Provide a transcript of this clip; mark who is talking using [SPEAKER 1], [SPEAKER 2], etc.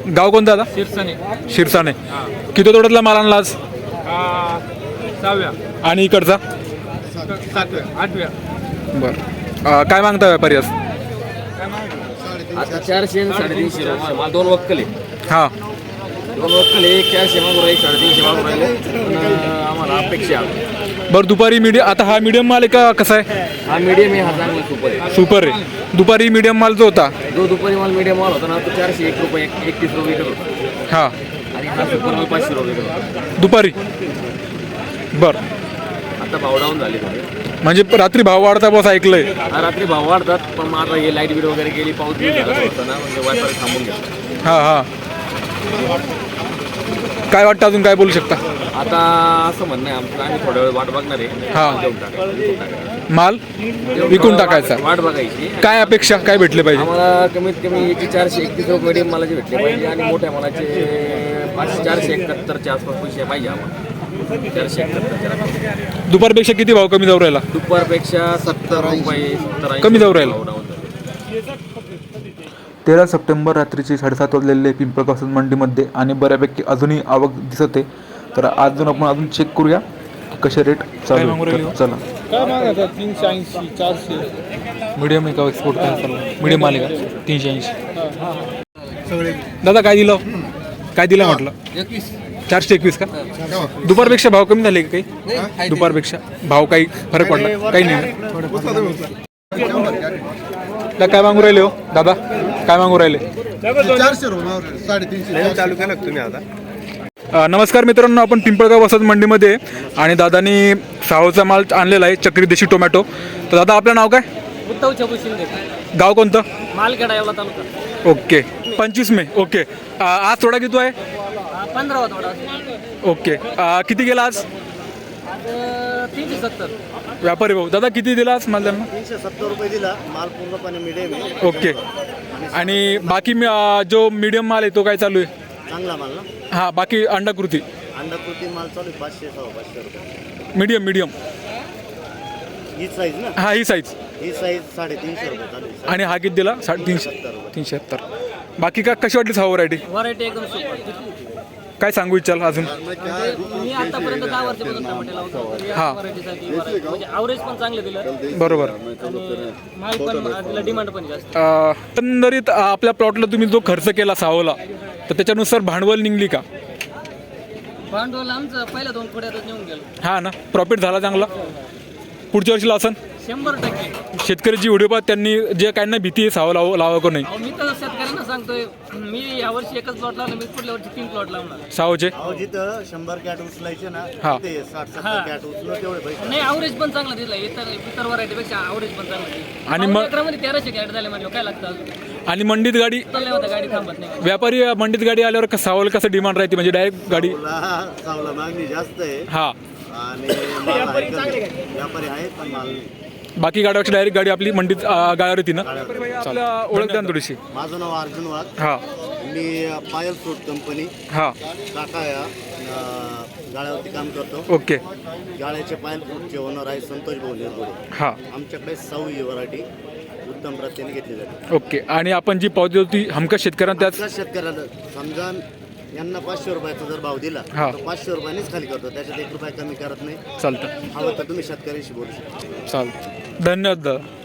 [SPEAKER 1] गाव कोणतं दादा?
[SPEAKER 2] शिरसाने.
[SPEAKER 1] शिरसाने. किती तोड्यातला माल आणला आज?
[SPEAKER 2] 6व्या
[SPEAKER 1] आणि इकडचा?
[SPEAKER 2] 7व्या 8व्या.
[SPEAKER 1] बरं. काय मागता व्यापारी आज?
[SPEAKER 3] आता 400 आणि 350 रुपये मला 2 वक्कल आहे.
[SPEAKER 1] हां
[SPEAKER 3] 2 वक्कल आहे. 400 मागून राहिले, 350 मागून राहिले. पण आम्हाला अपेक्षा आहे.
[SPEAKER 1] बरं. दुपारी मीडियम, आता हा मीडियम माल आहे का कसा आहे?
[SPEAKER 3] हा मीडियम आहे, हा चांगला सुपर आहे.
[SPEAKER 1] सुपर आहे. दुपारी मीडियम माल जो होता
[SPEAKER 3] जो दुपारी माल मीडियम माल होता ना तो 401 रुपये 31 रुपये विकत होता.
[SPEAKER 1] हां
[SPEAKER 3] आणि हा सुपर माल 500 रुपये विकत होता
[SPEAKER 1] दुपारी. बरं.
[SPEAKER 3] आता भाव डाऊन झाले थोडे.
[SPEAKER 1] म्हणजे रात्री भाव वाढता बस ऐकलंय.
[SPEAKER 3] हा रात्री भाव वाढतात, पण मग आता हे लाईट बिल वगैरे गेली, पाऊस बिल झाला होता ना, म्हणजे व्यापारी थांबून घेतात.
[SPEAKER 1] हां हां. काय वाटतं अजून, काय बोलू शकता?
[SPEAKER 3] आता असं म्हणणं आहे आमचं, आम्ही थोड्या वेळ वाट बघणार आहे.
[SPEAKER 1] हां.
[SPEAKER 3] देऊन टाकायचं.
[SPEAKER 1] माल विकून टाकायचा.
[SPEAKER 3] वाट बघायची.
[SPEAKER 1] काय अपेक्षा, काय भेटले पाहिजे?
[SPEAKER 3] आम्हाला कमीत कमी याची 431 रुपये मीडियम मालाचे भेटले पाहिजे आणि मोठ्या मालाचे 471च्या आसपास पैसे पाहिजे आम्हाला. 471.
[SPEAKER 1] दुपारपेक्षा किती भाव कमी जाऊ राहिला?
[SPEAKER 3] दुपारपेक्षा 70 रुपये 70
[SPEAKER 1] कमी जाऊ राहिला.
[SPEAKER 4] 13 सप्टेंबर रात्रीचे 7:30 वाजलेले पिंपळगाव मंडीमध्ये आणि बऱ्यापैकी अजूनही आवक दिसत आहे. तर अजून आपण अजून चेक करूया की कसे रेट चालू आहेत. चला.
[SPEAKER 2] काय मागतात? 380 400.
[SPEAKER 1] मीडियम आहे का एक्सपोर्ट? काय चालू मीडियम माल आहे का? 380. दादा काय दिलं? काय दिलं म्हटलं? 421 का? दुपारपेक्षा भाव कमी झाले का काही? दुपारपेक्षा भाव काही फरक पडला? काही नाही. काय मागू राहिले हो दादा? काय मागू राहिले?
[SPEAKER 5] 400 350 चालू केलं तुम्ही आता.
[SPEAKER 1] नमस्कार मित्रांनो, आपण पिंपळगाव वसंत मंडीमध्ये आणि दादानी सावचा माल आणलेला आहे, चक्री देशी टोमॅटो. तर दादा आपलं नाव काय?
[SPEAKER 2] उद्धव छबू शिंदे.
[SPEAKER 1] गाव कोणतं?
[SPEAKER 2] मालखेडा एवढा तालुका.
[SPEAKER 1] ओके. 25 मे. ओके. आज थोडा किती आहे?
[SPEAKER 2] 15वा थोडा.
[SPEAKER 1] ओके. किती गेला आज?
[SPEAKER 2] 370.
[SPEAKER 1] व्यापारी भाऊ दादा किती दिला आज माल त्यांना?
[SPEAKER 5] 370 रुपये दिला. माल पूर्णपणे मिडियम आहे.
[SPEAKER 1] ओके. आणि बाकी जो मीडियम माल आहे तो काय चालू आहे?
[SPEAKER 5] चांगला माल ना.
[SPEAKER 1] हां बाकी अंडाकृती
[SPEAKER 5] अंडाकृती माल चालू आहे 500 रुपये.
[SPEAKER 1] Medium medium.
[SPEAKER 5] ही साईज ना.
[SPEAKER 1] हां ही साईज.
[SPEAKER 5] ही साईज 350 रुपये चालू आहे.
[SPEAKER 1] आणि हा किती दिला? 350. 370. बाकी का कशी वाटली सहा व्हरायटी?
[SPEAKER 2] व्हरायटी एकदम सुपर.
[SPEAKER 1] काय सांगू इच्छाल अजून?
[SPEAKER 2] मी आतापर्यंत 10 वर्षापासून टमाटे लावतो.
[SPEAKER 1] हा.
[SPEAKER 2] व्हरायटीसाठी म्हणजे ॲव्हरेज पण चांगलं दिलं
[SPEAKER 1] बरोबर.
[SPEAKER 2] आणि माल पण तिला डिमांड पण जास्त.
[SPEAKER 1] एकंदरीत आपल्या प्लॉटला तुम्ही जो खर्च केला सावला तर त्याच्यानुसार भांडवल निघली का?
[SPEAKER 2] भांडवल आमचं पहिल्या 2 खोड्यातच निघून गेलो.
[SPEAKER 1] हा ना. प्रॉफिट झाला चांगला. पुढच्या वर्षीला असन
[SPEAKER 2] 100%.
[SPEAKER 1] शेतकऱ्याची व्हिडिओ पाहत त्यांनी जे काही ना भीती आहे सावं लावा का नाही.
[SPEAKER 2] अहो, मी तर शेतकऱ्यांना सांगतोय, मी यावर्षी एकच प्लॉट लावला, मी पुढल्या वर्षी 3 प्लॉट लावणार.
[SPEAKER 1] सावचे
[SPEAKER 5] अहो जिथं 100 कॅट उचलायचे ना
[SPEAKER 1] हा.
[SPEAKER 5] ते 60-70 कॅट उचलून तेवढे पैसे.
[SPEAKER 2] नाही ॲव्हरेज पण चांगला दिला. इतर व्हरायटीपेक्षा ॲव्हरेज पण चांगला दिला.
[SPEAKER 1] आणि
[SPEAKER 2] आणि
[SPEAKER 1] मग-
[SPEAKER 2] एकरामध्ये 1300 कॅट झाले म्हणजे काय लागतं अजून?
[SPEAKER 1] आणि मंडीत गाडी
[SPEAKER 2] चालले होता, गाडी थांबत नाही.
[SPEAKER 1] व्यापारी मंडीत गाडी आल्यावर सावल कसं डिमांड राहते म्हणजे डायरेक्ट गाडी?
[SPEAKER 5] चांगला मागणी जास्त आहे
[SPEAKER 1] हा.
[SPEAKER 5] आणि माल आहे कमी. व्यापारी आहेत पण माल.
[SPEAKER 1] बाकी गाड्यापेक्षा डायरेक्ट गाडी आपली मंडीत गाड्यावर येते ना. आपल्या ओळख द्या ना थोडीशी.
[SPEAKER 5] माझं नाव अर्जुन वाघ.
[SPEAKER 1] हा
[SPEAKER 5] मी पायल फ्रूट कंपनी
[SPEAKER 1] हा.
[SPEAKER 5] टाटा या गाळ्यावरती काम करतो.
[SPEAKER 1] ओके.
[SPEAKER 5] गाळ्याचे पायल फ्रूटचे ओनर आहे संतोष भाऊ निरगुडे.
[SPEAKER 1] हा.
[SPEAKER 5] आमच्याकडे 6 ही व्हरायटी उत्तम प्रतीने घेतली जाते.
[SPEAKER 1] ओके. आणि आपण जी पावती होती हमखास शेतकऱ्यांना त्याच
[SPEAKER 5] त्याच शेतकऱ्याला समजा यांना 500 रुपयाचा जर भाव दिला
[SPEAKER 1] हा.
[SPEAKER 5] तर 500 रुपयानेच खाली करतो, त्याच्यात 1 रुपया कमी करत नाही.
[SPEAKER 1] चालतं.
[SPEAKER 5] हवं तर तुम्ही शेतकऱ्याशी बोलू शकता.
[SPEAKER 1] चालतं. धन्यवाद दादा.